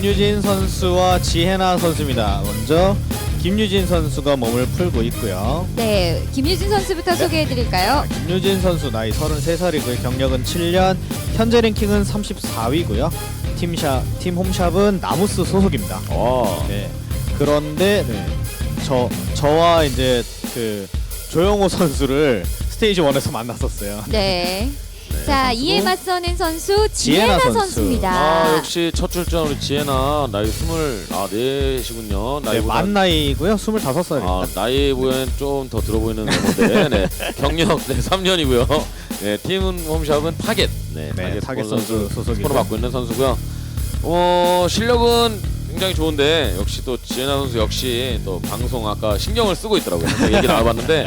김유진 선수와 지혜나 선수입니다. 먼저 김유진 선수가 몸을 풀고 있고요. 네, 김유진 선수부터 소개해드릴까요? 김유진 선수 나이 33살이고요. 경력은 7년, 현재 랭킹은 34위고요. 팀 홈샵은 나무스 소속입니다. 네. 그런데 저와 이제 그 조영호 선수를 스테이지 1에서 만났었어요. 네. 자, 이에 맞서는 선수 지혜나 지혜나 선수. 선수입니다. 역시 첫 출전 우리 지혜나 나이 24시군요. 네, 만 나이고요. 25살입니다. 나이 보면 좀 더 들어 보이는 멤버인데 네. 경력 3년이고요. 네, 팀 홈샵은 타겟. 타겟 선수 소속이고 스폰을 맡고 있는 선수고요. 실력은 굉장히 좋은데 역시 또 지혜나 선수 역시 또 방송 아까 신경을 쓰고 있더라고요. 얘기 나와봤는데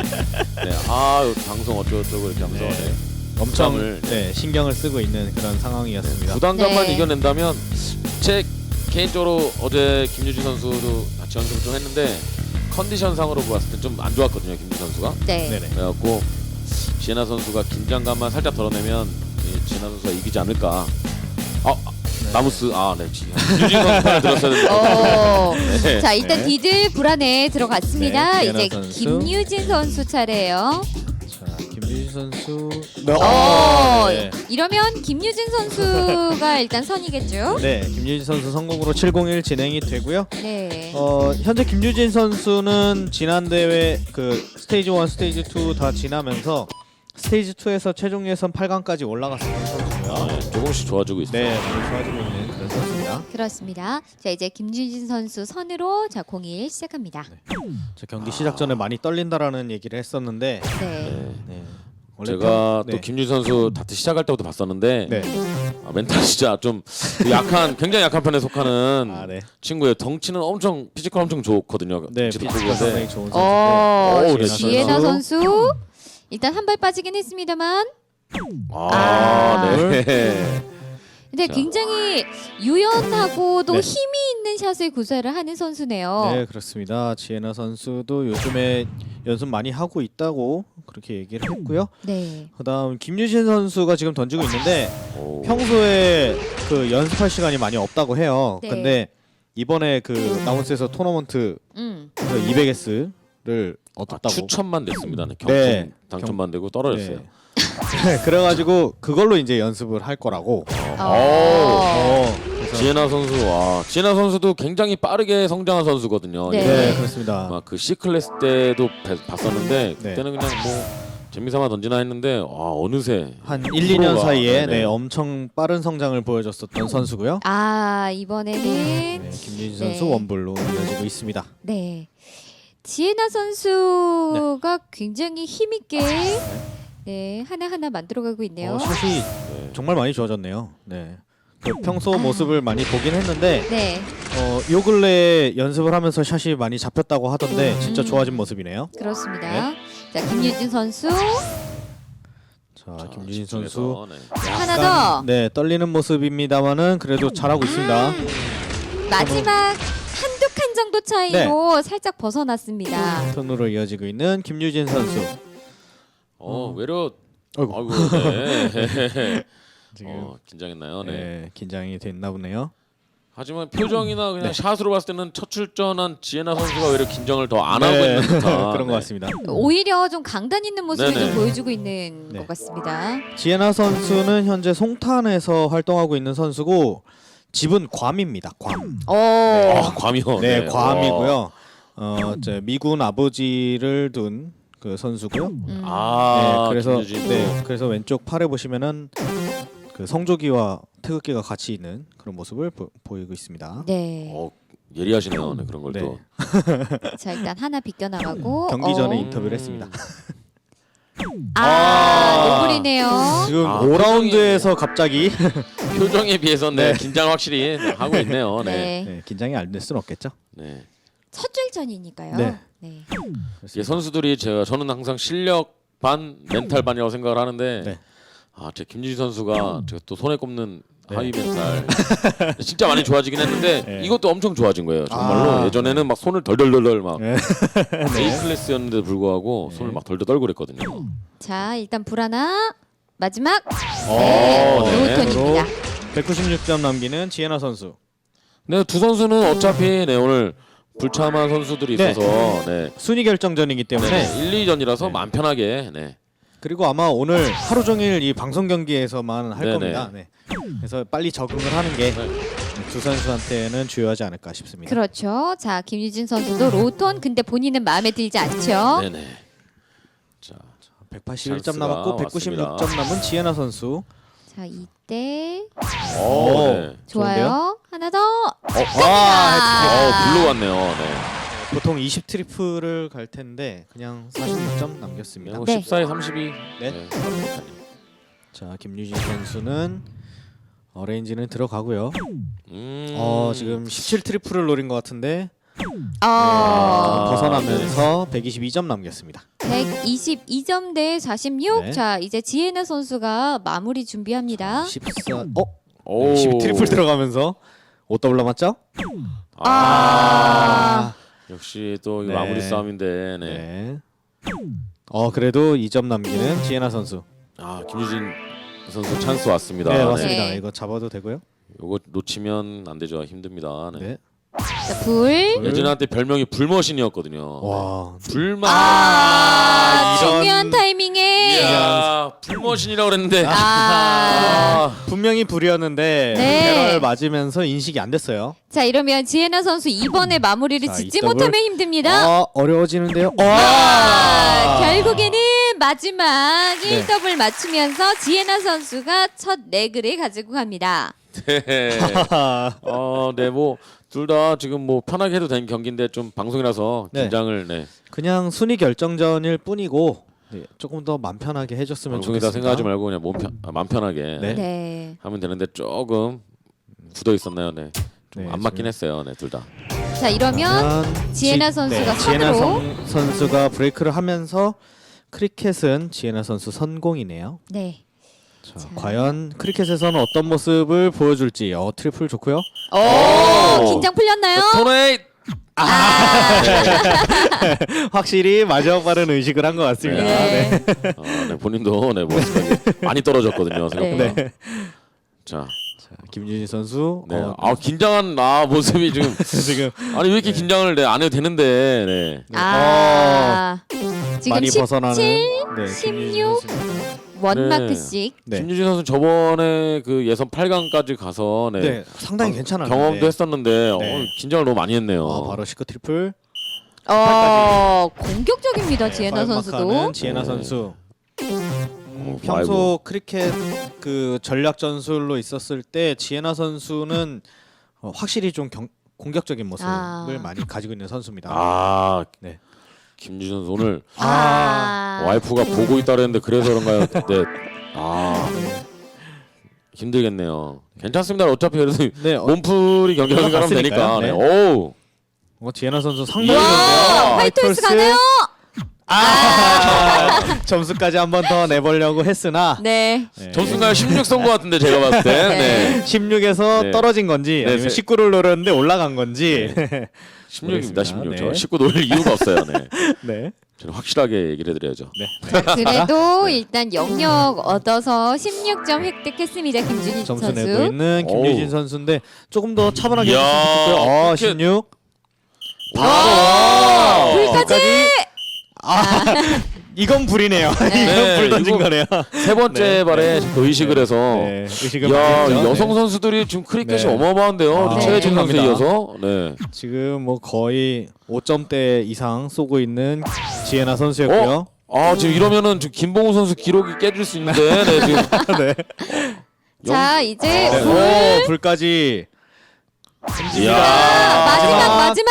방송 어쩌고저쩌고 이렇게 하면서 엄청 신경을 쓰고 있는 그런 상황이었습니다. 부담감만 네. 이겨낸다면 제 개인적으로 어제 김유진 선수도 같이 연습을 좀 했는데 컨디션상으로 봤을 때 좀 안 좋았거든요. 김유진 선수가. 네. 네네. 그래갖고 지혜나 선수가 긴장감만 살짝 덜어내면 지혜나 선수가 이기지 않을까. 나무스 김유진 선수 편을 들었어야 되는데. 네. 자, 일단 디들 불안에 들어갔습니다. 네, 이제 지혜나 선수. 김유진 선수 차례예요. 자, 김유진 선수. 네. 이러면 김유진 선수가 일단 선이겠죠? 네, 김유진 선수 성공으로 701 진행이 되고요. 네. 현재 김유진 선수는 지난 대회 그 스테이지 1, 스테이지 2 다 지나면서 스테이지 2에서 최종 예선 8강까지 올라갔었던 선수고요. 조금씩 좋아지고 있어요. 네, 많이 좋아지고 있는 그런 선수입니다. 그렇습니다. 자, 이제 김유진 선수 선으로 01 시작합니다. 저 경기 시작 전에 많이 떨린다라는 얘기를 했었는데 네. 네. 원래 제가 네. 또 김유진 선수 다트 시작할 때부터 봤었는데 네. 멘탈 진짜 좀 굉장히 약한 편에 속하는 네. 친구예요. 덩치는 엄청 피지컬 엄청 좋거든요. 네, 덩치도 피지컬 크고 상당히 한데 좋은 선수고요. 네, 지혜나 선수 일단 한 발 빠지긴 했습니다만 네. 근데 자. 굉장히 유연하고도 네. 힘이 있는 샷을 구사를 하는 선수네요. 네, 그렇습니다. 지혜나 선수도 요즘에 연습 많이 하고 있다고 그렇게 얘기를 했고요. 네. 그다음 김유진 선수가 지금 던지고 있는데 오. 평소에 그 연습할 시간이 많이 없다고 해요. 네. 근데 이번에 그 나운스에서 토너먼트 200S를 얻었다고. 추천만 됐습니다. 네, 경품 네. 당첨만 되고 떨어졌어요. 네. 그래가지고 그걸로 이제 연습을 할 거라고. 그래서 지혜나 선수, 지혜나 선수도 굉장히 빠르게 성장한 선수거든요. 네. 네, 그렇습니다. 막 그 C 클래스 때도 봤었는데 네. 그때는 그냥 뭐 재미삼아 던지나 했는데 어느새 한 1, 2년 프로가, 사이에 네네. 엄청 빠른 성장을 보여줬었던 선수고요. 이번에는 네, 김유진 선수 네. 원불로 이어지고 있습니다. 네. 지혜나 선수가 굉장히 힘있게 하나하나 만들어가고 있네요. 샷이 정말 많이 좋아졌네요. 네. 그 평소 모습을 많이 보긴 했는데 네. 요 근래 연습을 하면서 샷이 많이 잡혔다고 하던데 진짜 좋아진 모습이네요. 그렇습니다. 자, 김유진 선수 자, 김유진 선수 집중해서, 네. 하나 더. 네, 떨리는 모습입니다만은 그래도 잘하고 있습니다. 마지막 한두 칸 정도 차이로 살짝 벗어났습니다. 턴으로 이어지고 있는 김유진 선수. 외려 아이고. 네. 지금 긴장했나요? 네. 네, 긴장이 됐나 보네요. 하지만 표정이나 그냥 네. 샷으로 봤을 때는 첫 출전한 지혜나 선수가 오히려 긴장을 더 안 하고 네, 있는 듯한 그런 것 같습니다. 오히려 좀 강단 있는 모습을 네네. 좀 보여주고 있는 네. 것 같습니다. 지혜나 선수는 현재 송탄에서 활동하고 있는 선수고 집은 괌입니다. 괌. 괌이요. 네, 괌이고요. 미군 아버지를 둔 그 선수고요. 그래서 김유진도. 그래서 왼쪽 팔에 보시면은 그 성조기와 태극기가 같이 있는 그런 모습을 보이고 있습니다. 네. 예리하시네요. 네, 그런 걸 네. 또. 자, 일단 하나 비껴나가고 경기 전에 인터뷰를 했습니다. 노블이네요. 지금 아, 5라운드에서 갑자기 표정에 비해서 네. 긴장 확실히 하고 있네요. 네. 네. 긴장이 안 될 수는 없겠죠. 네. 첫 줄전이니까요. 네. 네. 이게 선수들이 저는 항상 실력 반 멘탈 반이라고 생각을 하는데 네. 제 김유진 선수가 제가 또 손에 꼽는 하위 멘탈 진짜 많이 좋아지긴 했는데 네. 이것도 엄청 좋아진 거예요. 정말로 예전에는 막 손을 덜덜덜덜 막 네. A 클래스였는데도 불구하고 손을 막 덜덜 떨고 그랬거든요. 자, 일단 불 하나. 마지막. 네. 로우톤입니다. 196점 남기는 지혜나 선수. 네, 두 선수는 어차피 네, 오늘 불참한 선수들이 네. 있어서 네. 순위 결정전이기 때문에 네, 1, 2전이라서 네. 마음 편하게 네. 그리고 아마 오늘 하루 종일 이 방송 경기에서만 할 네네. 겁니다. 네. 그래서 빨리 적응을 하는 게 네. 두 선수한테는 중요하지 않을까 싶습니다. 그렇죠. 자, 김유진 선수도 로톤 근데 본인은 마음에 들지 않죠. 네네. 자, 181점 찬스가 남았고 196점 왔습니다. 남은 지혜나 선수. 자, 이때 오, 오. 네. 좋아요. 하나 더. 블루 같네요. 네. 보통 20 트리플을 갈 텐데 그냥 46점 남겼습니다. 네. 14에 32. 네. 자, 김유진 선수는 어레인지는 들어가고요. 지금 17 트리플을 노린 것 같은데 벗어나면서 122점 남겼습니다. 122점 대 46. 네. 자, 이제 지혜나 선수가 마무리 준비합니다. 14. 오. 12 트리플 들어가면서 5 남았죠? 역시 또 네. 마무리 싸움인데. 네. 네. 그래도 2점 남기는 지혜나 선수. 아, 김유진 선수 찬스 왔습니다. 네, 맞습니다. 네. 이거 잡아도 되고요. 요거 놓치면 안 되죠. 힘듭니다. 네. 네. 자, 불. 예진한테 별명이 불머신이었거든요. 와. 불만. 이런- 중요한 타이밍에. 이야, 불머신이라고 그랬는데. 분명히 불이었는데 네. 배럴 맞으면서 인식이 안 됐어요. 자, 이러면 지혜나 선수 이번에 마무리를 자, 짓지 이 더블. 못하면 힘듭니다. 어려워지는데요. 결국에는 마지막 네. 1더블 맞추면서 지혜나 선수가 첫 레그를 가지고 갑니다. 네. 네, 뭐 둘 다 지금 뭐 편하게 해도 되는 경기인데 좀 방송이라서 네. 긴장을 네. 그냥 순위 결정전일 뿐이고 조금 더 맘 편하게 해줬으면 방송이다 좋겠습니다. 생각하지 말고 그냥 마음 편하게 네. 네. 하면 되는데 조금 굳어 있었나요, 네. 좀 네, 안 맞긴 지금. 했어요, 네, 둘 다. 자, 이러면 지혜나 선수가 지혜나 선으로. 선수가 브레이크를 하면서 크리켓은 지혜나 선수 선공이네요. 네. 자, 과연 크리켓에서는 어떤 모습을 보여줄지. 트리플 좋고요. 긴장 풀렸나요? 토네이트. 확실히 마지막 발은 의식을 한 것 같습니다. 네. 네, 본인도 네, 모습이 많이 떨어졌거든요, 생각보다. 네. 자, 김준희 선수. 네. 긴장한 모습이 지금 지금 아니 왜 이렇게 긴장을 안 해도 되는데. 네. 지금 많이 17 벗어나는 16 김유진 선수. 원마크씩. 네. 김유진 선수 저번에 그 예선 8강까지 가서 네, 상당히 괜찮았는데. 경험도 했었는데 네. 긴장을 너무 많이 했네요. 바로 시크 트리플. 공격적입니다. 지혜나 선수도. 파이브마크하는 지혜나 네. 선수. 아이고. 평소 크리켓 그 전략 전술로 있었을 때 지혜나 선수는 확실히 좀 공격적인 모습을 많이 가지고 있는 선수입니다. 네. 김유진 선수 오늘 아. 와이프가 보고 있다 그랬는데 그래서 그런가요? 네. 힘들겠네요. 괜찮습니다. 어차피 그래도 네, 몸풀이 경기를 생각하면 되니까. 네. 네. 오. 지혜나 선수 상당히 와, 좋은데요. 화이트홀스 가네요. 점수까지 한 번 더 내보려고 했으나 네. 점수가 16 쏜 것 같은데 제가 봤을 때. 네. 16에서 네. 떨어진 건지 네, 아니면 19를 노렸는데 올라간 건지. 16입니다. 16. 네. 저 19 노릴 이유가 없어요. 네. 네. 저는 확실하게 얘기를 해드려야죠. 네. 그래도 일단 영역 얻어서 16점 획득했습니다. 김준희 점수 내고 선수. 있는 김유진 어우. 선수인데 조금 더 차분하게 이야, 했으면 좋겠고요. 이렇게- 16. 와. 불까지. 이건 불이네요. 네, 이건 불 던진 이거- 거네요. 세 번째 네. 발에 또 의식을 해서. 네, 의식을 야, 많이 했죠. 여성 네. 선수들이 지금 크리켓이 네. 어마어마한데요. 아, 최혜진 선수에 엄청납니다. 이어서. 네. 지금 뭐 거의 5점대 이상 쏘고 있는 지혜나 선수였고요. 지금 이러면은 지금 김봉우 선수 기록이 깨질 수 있는데. 네, 지금. 네. 자, 이제 네. 불. 불까지. 이야. 마지막.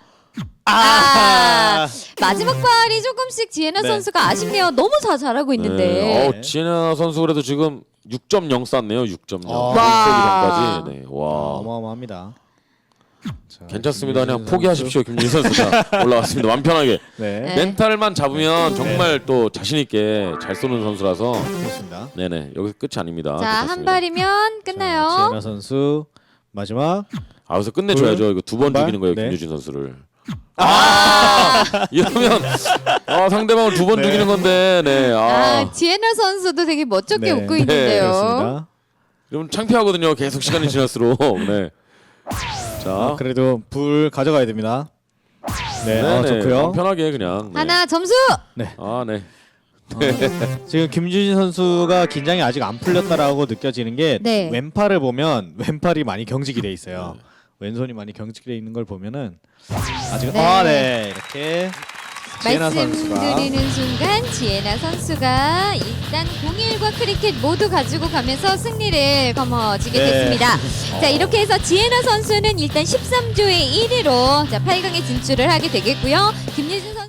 마지막 발이 조금씩 지혜나 네. 선수가 아쉽네요. 너무 잘하고 있는데. 네. 지혜나 선수 그래도 지금 6.0 쐈네요. 6.0. 와. 1세기전까지. 네. 와. 어마어마합니다. 자, 괜찮습니다. 그냥 김유진 포기하십시오. 김유진 선수가 올라왔습니다. 마음 편하게. 네. 네. 멘탈만 잡으면 정말 또 자신 있게 잘 쏘는 선수라서. 그렇습니다. 네네. 여기서 끝이 아닙니다. 자, 한 괜찮습니다. 발이면 자, 끝나요. 지혜나 선수 마지막. 여기서 끝내줘야죠. 이거 두 번 한 발? 죽이는 거예요. 네. 김유진 선수를. 이러면 상대방을 두 번 네. 죽이는 건데. 네. 지혜나 선수도 되게 멋쩍게 네. 웃고 네, 있는데요. 그렇습니다. 좀 창피하거든요. 계속 시간이 지날수록. 네. 자, 그래도 불 가져가야 됩니다. 네, 네네. 좋고요. 편하게 그냥. 네. 하나 점수. 아, 네. 지금 김준진 선수가 긴장이 아직 안 풀렸다라고 느껴지는 게 네. 왼팔을 보면 왼팔이 많이 경직이 돼 있어요. 왼손이 많이 경직이 돼 있는 걸 보면은 아직 네. 이렇게 지혜나 선수가 말씀드리는 순간 지혜나 선수가 일단 01과 크리켓 모두 가지고 가면서 승리를 거머쥐게 네. 됐습니다. 자, 이렇게 해서 지혜나 선수는 일단 13조의 1위로 자, 8강에 진출을 하게 되겠고요. 김예진